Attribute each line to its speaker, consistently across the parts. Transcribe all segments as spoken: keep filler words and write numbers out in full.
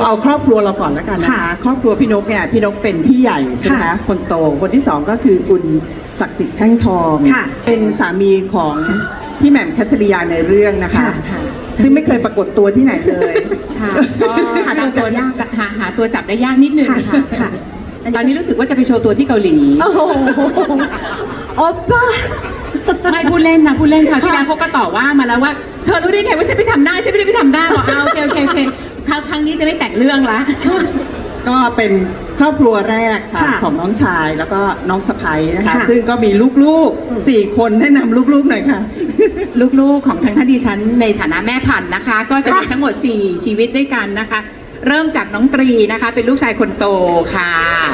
Speaker 1: เอาครอบครัวเราก่อนแล้วกันนะคะครอบครัวพี่นกเนี่ยพี่นกเป็นพี่ใหญ่ใช่ไหมคะคนโตคนที่สองก็คือคุณศักดิ์สิทธิ์แท่งทองเป็นสามีของพี่แหม่มคัทริยาในเรื่องนะคะซึ่งไม่เคยปรากฏตัวที่ไหนเลย
Speaker 2: ค่ะก็หาตัวจับหาหาตัวจับได้ยากนิดนึงค่ะตอนนี้รู้สึกว่าจะไปโชว์ตัวที่เกาหลี
Speaker 3: โอ้โหโอ๊ป้า
Speaker 2: ไม่พูดเล่นนะพูดเล่นค่ะที่แล้วเขาก็ต่อว่ามาแล้วว่าเธอรู้ได้ไงว่าฉันไปทำได้ฉันไม่ได้ไปทำได้บอกเอาโอเคโอเคโอเคครั้งครั้งนี้จะไม่แต่งเรื่องละ
Speaker 1: ก็เป็นครอบครัวแรกค่ะของน้องชายแล้วก็น้องสะใภ้นะคะซึ่งก็มีลูกๆสี่คนแนะนำลูกๆหน่อยค่ะ
Speaker 2: ลูกๆของทางท่านดิฉันในฐานะแม่พันธุ์นะคะก็จะมีทั้งหมดสี่ชีวิตด้วยกันนะคะเริ่มจากน้องตรีนะคะเป็นลูกชายคนโตค่ะ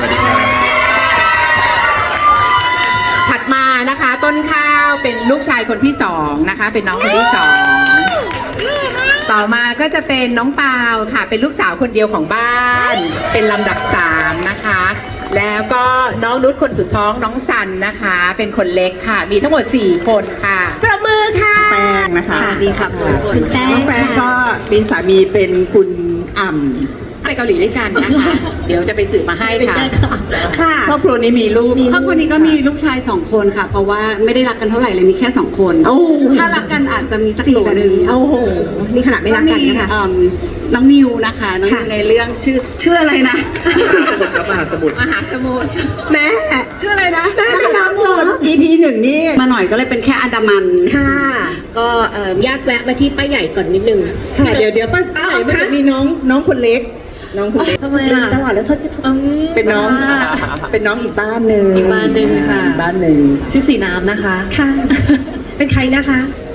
Speaker 2: ถัดมานะคะต้นข้าวเป็นลูกชายคนที่สองนะคะเป็นน้องคนที่สองต่อมาก็จะเป็นน้องปาวค่ะเป็นลูกสาวคนเดียวของบ้านเป็นลำดับสามนะคะแล้วก็น้องนุชคนสุดท้องน้องสันนะคะเป็นคนเล็กค่ะมีทั้งหมดสี่คนค่ะ
Speaker 3: ประมือค่ะ
Speaker 1: แป้งนะคะ
Speaker 2: ดีค่ะ
Speaker 3: คุณแป้ง
Speaker 1: น้องแป้งก็มีสามีเป็นคุณอ่ำ
Speaker 2: ไปเกาหลีด้วยกันนะคะเดี๋ยวจะไปสืบมาให้ค่ะ
Speaker 3: ค่ะ
Speaker 1: ครอบครัวนี้มีลูก
Speaker 4: ครอบครัวนี้ก็มีลูกชายสองคนค่ะเพราะว่าไม่ได้รักกันเท่าไหร่เลยมีแค่สองคนถ้ารักกันอาจจะมีสักตัวหนึ่ง
Speaker 3: โอ้โหนี่ขนาดไม่รักกันนะคะ
Speaker 4: น้องนิวนะคะน้องนิวในเรื่องชื่อชื่ออะไรนะ
Speaker 2: มหาสมุทรมหาสมุทร
Speaker 3: แม่
Speaker 4: ชื่ออะไรนะ
Speaker 3: แม่ไม่รักหมด
Speaker 1: อี พี หนึ่งนี่
Speaker 4: มาหน่อยก็เลยเป็นแค่อันดามัน
Speaker 3: ค่ะ
Speaker 4: ก็
Speaker 3: ญาติแวะมาที่ป้าใหญ่ก่อนนิดนึง
Speaker 1: ค่ะเดี๋ยวเดี๋ยวป้าใหญ่มันจะมีน้องน้องคนเล็กน้องคนเล็ก
Speaker 3: ทำไมอ่ะตลอดแล้วทศ
Speaker 1: เป็นน้องเป็นน้องอีกบ้านหนึ่ง
Speaker 3: อีกบ้านหนึ่งค่ะ
Speaker 1: บ้านหนึ่ง
Speaker 3: ชื่อสีน้ำนะคะค่ะเป็นใครนะคะ